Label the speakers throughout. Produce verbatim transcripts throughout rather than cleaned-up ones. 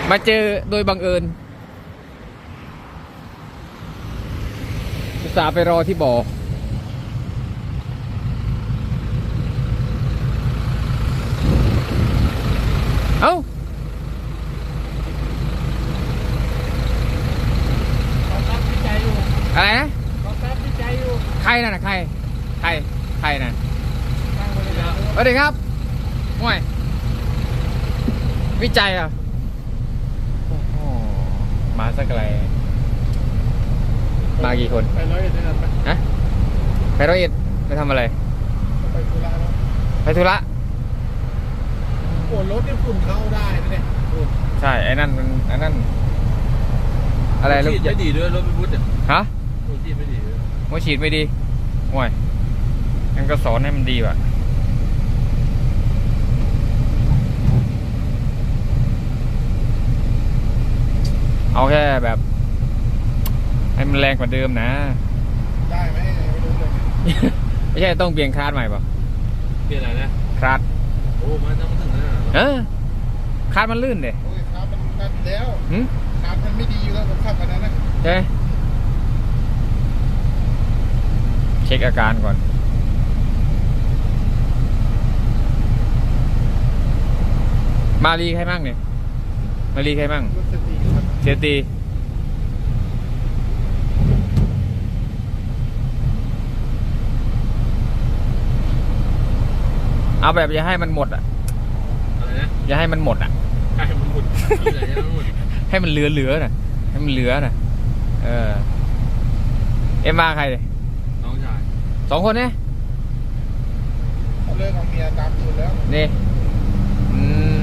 Speaker 1: มาเจอโดยบังเอิญอุตส่าห์ไปรอที่บ่อเอ้าอะไรนะใครน่ะใครใครใครน่ะสวัสดีครับห่วยวิจัยอ่ะโอ้โหมาสักไกลมากี่คนไปร้อยเอ็ดได้ไหมฮะไปร้อยเอ็ดไปทำอะไรไปธุระไปธุระ
Speaker 2: โอ้รถนี่ฝุ่นเข้าได้นะเนี่ย
Speaker 1: ใช่ไอ้นั่นมันไอ้นั่นอะไรรถ
Speaker 2: ฉีดไม่ดีด้วยรถไม่พุทธ
Speaker 1: ฮะ
Speaker 2: รถฉีดไม่ดีด้วย
Speaker 1: หัวฉีดไม่ดีห่วยงั้นก็สอนให้มันดีว่ะเอาแค่แบบให้มันแรงกว่าเดิมนะ
Speaker 2: ได้ไหมไม่รู้เลย
Speaker 1: ไม่ใช่ต้องเปลี่ยนคลาสใหม่ป่ะ
Speaker 2: เปลี่ยนอะไรนะ
Speaker 1: คลาส
Speaker 2: โอ้มันต้องถึงนะ
Speaker 1: เออคลาสมันลื่นเด้
Speaker 2: โอ้ยคลาสมันนั่นแล้ว
Speaker 1: หืม
Speaker 2: คลาสมันไม่ดีอยู่แล้วผมขับกันนั้นนะ
Speaker 1: ใช่เช็คอาการก่อนมารีใครมั่งเนี่ยมารีใครมั่งเสียตีเอาแบบอย่าให้มันหมดอ่ะ
Speaker 2: อะไรนะ
Speaker 1: อย่าให้มันหมดอ่ะ
Speaker 2: ให้มันหมด
Speaker 1: ให้มันเหลือเหลือน่ะให้มันเหลือน่ะเออเอ็มมาใครเลย
Speaker 2: น้องชาย
Speaker 1: สองคนเนี่ย
Speaker 2: เขาเลิกเอาเมียตามคุณแล้ว
Speaker 1: นี่อืม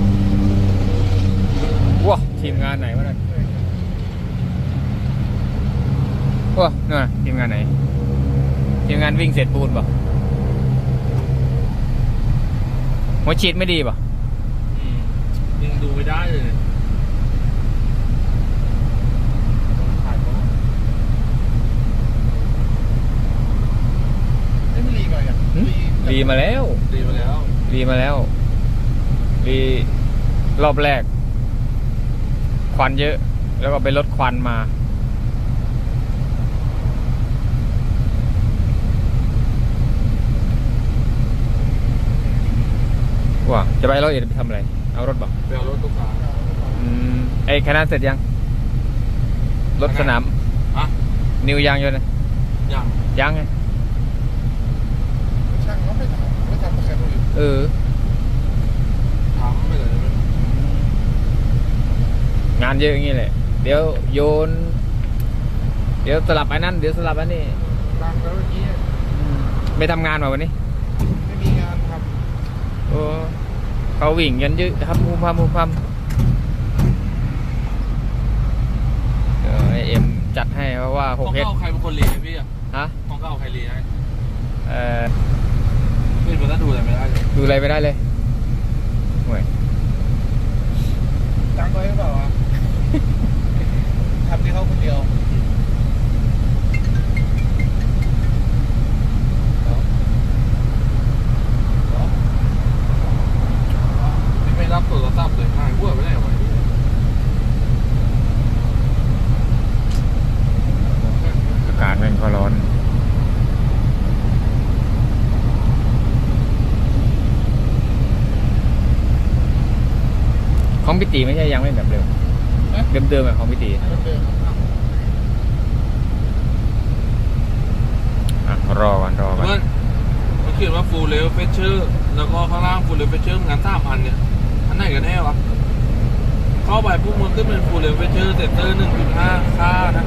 Speaker 1: ว้าทีมงานไหนวะเนี่ยว้าเนี่ยทีมงานไหนทีมงานวิ่งเสร็จปูนป่ะหัวฉีดไม่ดีป่ะ
Speaker 2: ยังดูไม่ได้เลยไม่รีก่อนอ่ะ
Speaker 1: รีมาแล้ว
Speaker 2: รีมาแล้ว
Speaker 1: รีมาแล้วรีรอบแรกควันเยอะแล้วก็ไปลดควันมาว้าจะไปร้อยเอ็ดไปทำอะไรเอารถบ่
Speaker 2: ไปเอารถตุ๊กตา
Speaker 1: อืมไอ้คณะเสร็จยังรถสนาม
Speaker 2: อะ
Speaker 1: นิวยางอยู่นะ
Speaker 2: ยัง
Speaker 1: ยังไง
Speaker 2: ช่างเขาไม่ทำไม่ทำกับใครเลย
Speaker 1: เออ
Speaker 2: ทำไม่เลย
Speaker 1: งานเยอะอย่างนี้แหละเดี๋ยวโยนเดี๋ยวสลับไอ้นั่นเดี๋ยวสลับอันนี้
Speaker 2: บางแล้วเมื่อกี้
Speaker 1: ไม่ทำงานมาวันนี้
Speaker 2: ไม่มีงานท
Speaker 1: ำโอ้เขาวิ่งกันเยอะครับมูพัมมูพัมเออไอเอ็มจัดให้เพราะว่าหกเฮด
Speaker 2: ของเก่าใครเป็นคนเลี้ยงพี่อ่ะ
Speaker 1: ฮะ
Speaker 2: ของเก่าใครเลี้ยง
Speaker 1: เออ
Speaker 2: ไม่เป็นไรดูอะไรไม่ได้เลย
Speaker 1: ดูอะไรไม่ได้เลยห่วย
Speaker 2: ตั้งไว้หรือเปล่าวะทำที่เขาคนเดียวนี่ไม่รับโทรศัพท์เลยหายวัวไปได้ไหม
Speaker 1: อากาศแม่งก็ร้อนของพิตีไม่ใช่ยังไม่แบบเร็วเดิมเดิมแบบของพิตีอ่ะรอก่อนรอก่อน
Speaker 2: มันเขียนว่า full level fetcher แล้วก็ข้างล่าง full level fetcher งานสามพันเนี่ยอันไหนกันแน่วะเข้าไปพวกมันขึ้นเป็น full level fetcher เซนเตอร์ หนึ่งจุดห้า ค่านะ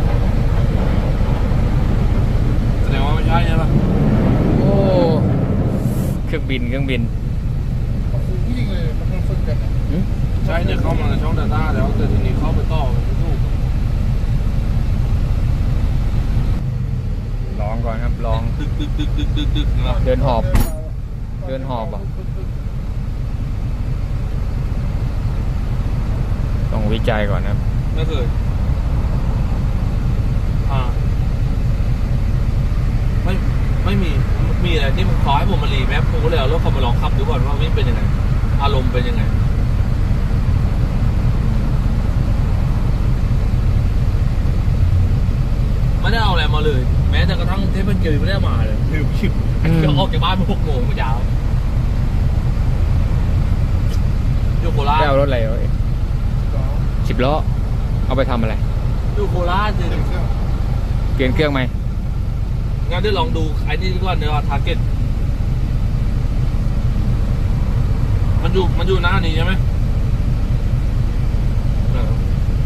Speaker 2: แสดงว่าไม่ใช่ใช่ปะ
Speaker 1: โอ้เครื่องบินเครื่องบิน
Speaker 2: ยิงเลยมันฝึกกันใช่เนี่ยเข้ามาในช่อง Data แล้วแต่ทีนี้เข้าไปต่อไม่ถูก
Speaker 1: ลองก่อนครับลอง
Speaker 2: ดึกดึกดึกดึกดึกดึก
Speaker 1: เดินหอบเดินหอบอ่ะต้องวิจัยก่อนครับ
Speaker 2: ไม่เคยอ่าไม่ไม่มีมีอะไรที่มันขอให้ผมมารีแมปผมก็เลยเอารถเขามาลองขับดูก่อนว่าวิ่งเป็นยังไงอารมณ์เป็นยังไงไม่ได้เอาอะไรมาเลย แม้แต่กระทั่งเทปเป็นเกลียวไม่ได้เอามาเลยลืมชิบก็ออกจากบ้านมาหกโมงเมื่อเช้าอยู่โคราช
Speaker 1: ได้เอารถอะไรเอาสิบล้อเอาไปทำอะไร
Speaker 2: อยู่โคราชเลย
Speaker 1: เปลี่ยนเครื่องไหม
Speaker 2: งั้นได้ลองดูไอ้นี่ดีกว่าเนื้อทาร์เก็ตมันอยู่มันอยู่หน้านี้ใช่ไหมเออ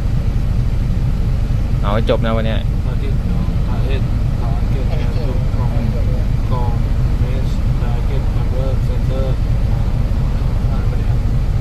Speaker 1: เอาให้จบนะวันเนี้ย
Speaker 2: ทาร์เก็ตทาร์เก็ตทาร์เก็ตแอนด์ดูกองกองเมสทาร์เก็ตนัมเบอร์เซนเตอร์อ่านไปเลยครับ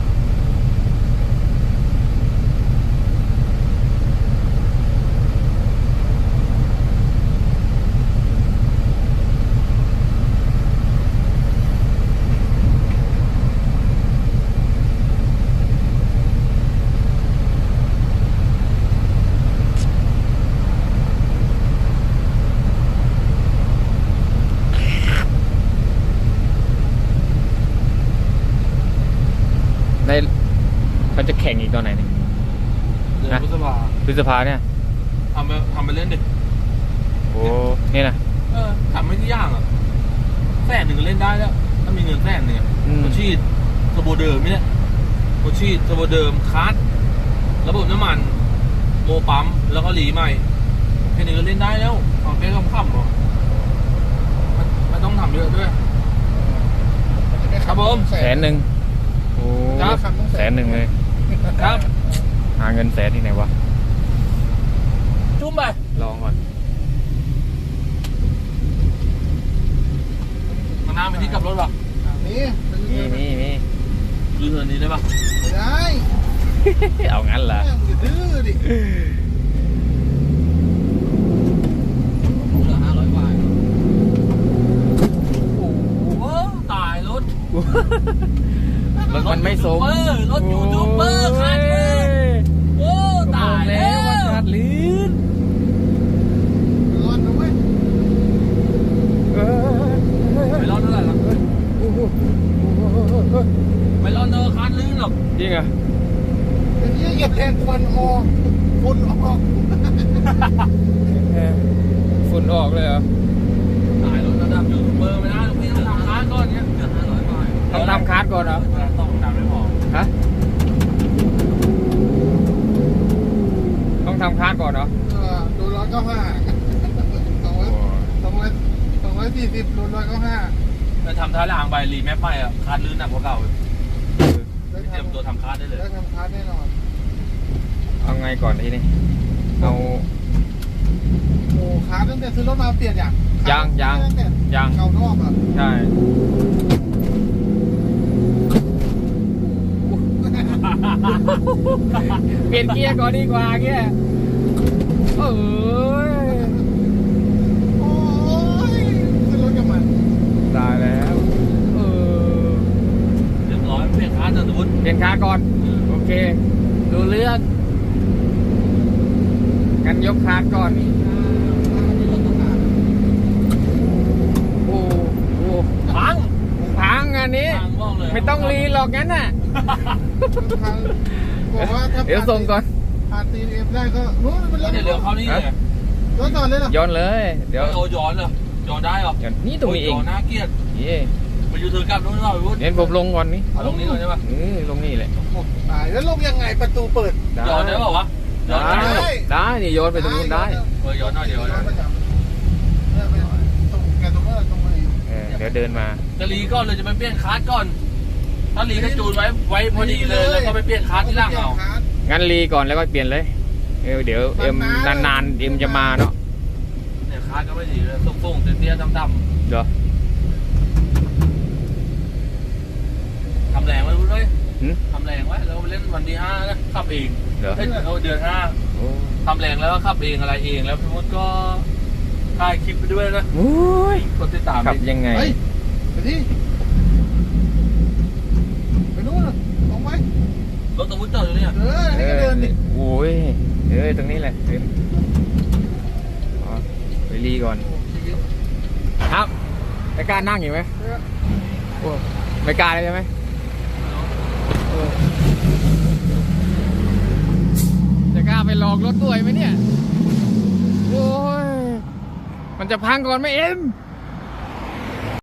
Speaker 1: ในเขาจะแข่งอีกตอนไหนเนี่ย
Speaker 2: เดือน
Speaker 1: นะ
Speaker 2: พฤษภา
Speaker 1: พฤษภาเนี่ย
Speaker 2: ทำไปทำไปเล่นดิ
Speaker 1: โอ้นี่นะ
Speaker 2: เออทำไม่ที่ย่างอ่ะแสนหนึ่งก็เล่นได้แล้วถ้ามีเงินแสนหนึ่งอะ
Speaker 1: อืม
Speaker 2: โคชีดเทอร์โบเดิมเนี่ยโคชีดเทอร์โบเดิมคัสระบบน้ำมัน โมปั๊มแล้วก็หลีใหม่แค่นี้ก็เล่นได้แล้วเอาแค่คำๆหรอไม่ไม่ต้องทำเยอะด้วย ครับผม
Speaker 1: แสนหนึ่งโอ้
Speaker 2: ครับ
Speaker 1: แสนหนึ่งเลย
Speaker 2: ครับ
Speaker 1: หาเงินแสนที่ไหนวะ
Speaker 2: จุ่มไป
Speaker 1: ลองก่อน
Speaker 2: มาน้ำไปที่กลับรถป่ะ
Speaker 3: นี่
Speaker 1: นี่นี่นี่
Speaker 2: ยืนเทินนี้ได้ป่ะ
Speaker 3: ไม่ได้
Speaker 1: เอางั้นเหรอ
Speaker 3: แม่งอย่าดื้อดิ
Speaker 2: เหลือห้าร้อยกว่าโอ้โหตายรถ
Speaker 1: รถมันไม่สม
Speaker 2: เออรถยูทูบเบอร์ขาดลื่นโอ้ตายแล้
Speaker 1: ว่าว ขาดลื่น
Speaker 3: ร้อนนะเว้ย
Speaker 1: เออ
Speaker 2: ไม่ร้อนเท่าไหร่หรอก
Speaker 1: โอ้โห
Speaker 2: ไม่ร้อนเท่าขาดลื่นหรอก
Speaker 1: จริงเหรอ
Speaker 3: เดี๋ยวนี้เหยียบแทนควันออกฝุ่นออก
Speaker 1: เออฝุ่นออกเลยเหรอ
Speaker 2: ตายรถระดับยูทูบเบอร์ไม่ได้ลูกพี่ต้องทำค้านก้อนเนี้ยเหลือห้าร้อยกว่า
Speaker 1: ต้องทำคาร์ดก่อนเหรอ
Speaker 2: ต้องทำไม่พอ
Speaker 1: ฮะต้องทำคาร์ดก่อนเหรอ
Speaker 3: เออโดนร้อยเก้าห้าสองร้อยสองร้อยสองร้อยสี่สิบโดนร้อยเก้าห้า
Speaker 2: จะทำท้ายรางใบรีแมปไปอ่ะคาดลื่นหนักกว่าเก่าอีก
Speaker 3: ได้
Speaker 2: เตรียมตัว
Speaker 3: ทำ
Speaker 2: ทำคาดได้เลย
Speaker 3: ได้ทำคาร์ดแน่นอน
Speaker 1: เอาไงก่อนทีนี้เอา
Speaker 3: โอ้คาร์ดตั้งแต่ซื้อรถมาเปลี่ยนอย่าง
Speaker 1: ยังยัง
Speaker 3: ตั้งแต่
Speaker 1: ยัง
Speaker 3: เก่านอกอ่ะ
Speaker 1: ใช่ เปลี่ยนเกียร์ก่อนดีกว่าเกียร์เอ้ย
Speaker 3: โอ้ยขึ้นรถกับมัน
Speaker 1: ตายแล้วเออ
Speaker 2: เรียบร้อยเปลี่ยนคาดจะสมมติ
Speaker 1: เปลี่ยนคาร์ก่อน โอเค ดูเรื่องงั้นยกคาร์ก่อน โอ้โห
Speaker 2: พัง
Speaker 1: พังอันนี้
Speaker 2: พังบอกเลย
Speaker 1: ไม่ต้องรีหรอกงั้นน่ะ
Speaker 3: บอกว่าถ้า
Speaker 1: เดี๋ยวส่งก่อน
Speaker 3: ผ่านตีเอ็มได้ก็นู้นเป็นรถ
Speaker 2: เดี๋ยวเร็วเข้านี่เลย
Speaker 3: รถจอดเลยเหรอ
Speaker 1: ย้อนเลย เดี๋ยว
Speaker 2: โอ้ย้อนเลยย้อนได้เหรอ
Speaker 1: ย้อนนี่ตรงนี้เอง
Speaker 2: ย้อนน่าเกลียด
Speaker 1: เย่
Speaker 2: ไปยูทูบกลับนู้นเราไปวุ้น
Speaker 1: เดี๋ยวผมลงก่อนนี่
Speaker 2: เอาลงนี้ก่อนใช่ปะ
Speaker 1: เออลงนี่แหละ
Speaker 3: ตายแล้วลงยังไงประตูเปิด
Speaker 2: ย้อนได้เปล่าวะย้อน
Speaker 1: ได้
Speaker 2: ได้
Speaker 1: ได้นี่โยนไปตรงนู้นได้
Speaker 2: เออย้อนหน่อยเดี๋ยว
Speaker 3: ย้อนประจำเนี่ยไปตรงแกตรงนั้นตรงไหน
Speaker 1: เออเดี๋ยวเดินมา
Speaker 2: จะรีก่อนเลยจะไปเปลี่ยนคาร์ดก่อน ถ้ารีก็จูนไว้ไว้พอดีเลยแล้วก็ไปเปลี่ยนคาร์ดที่หล่างเอา
Speaker 1: งั้นรีก่อนแล้วก็เปลี่ยนเลยเออเดี๋ยวเอ็มนานๆเอ็มจะมาเนาะ
Speaker 2: เนี่ยคาร์ดก็ไม่ดีเลยส่งๆเตี้ยๆดำ
Speaker 1: เดี๋ยว
Speaker 2: ๆทำแรงไว้วุ้นเลย
Speaker 1: หึ
Speaker 2: ทำแรงไว้แล้วไปเล่นวันที่ห้านะขับเอง
Speaker 1: เดี๋ยว
Speaker 2: เอ้ยเอาเดือนห้า
Speaker 1: โอ้
Speaker 2: ทำแรงแล้วก็ขับเองอะไรเองแล้วพี่มดก็ถ่ายคลิปไปด้วยนะ
Speaker 1: โอ้ย
Speaker 2: กดติดตาม
Speaker 1: ขับ
Speaker 2: ดิ
Speaker 1: ยังไง
Speaker 3: เฮ้ยไปที่ไปนู้นลงไป
Speaker 2: รถตะวุ้นจอดอยู่เนี่ย
Speaker 3: เออนี่ก็เดินดิ
Speaker 1: โอ้ยเออตรงนี้แหละเดินอ๋อไปรีก่อน ครับไม่กล้านั่งอยู่ไหมโอ้ไม่กล้าเลยใช่ไหมเออจะกล้าไปลองรถด้วยไหมเนี่ย โอ้ยมันจะพังก่อนไหมเอ็ม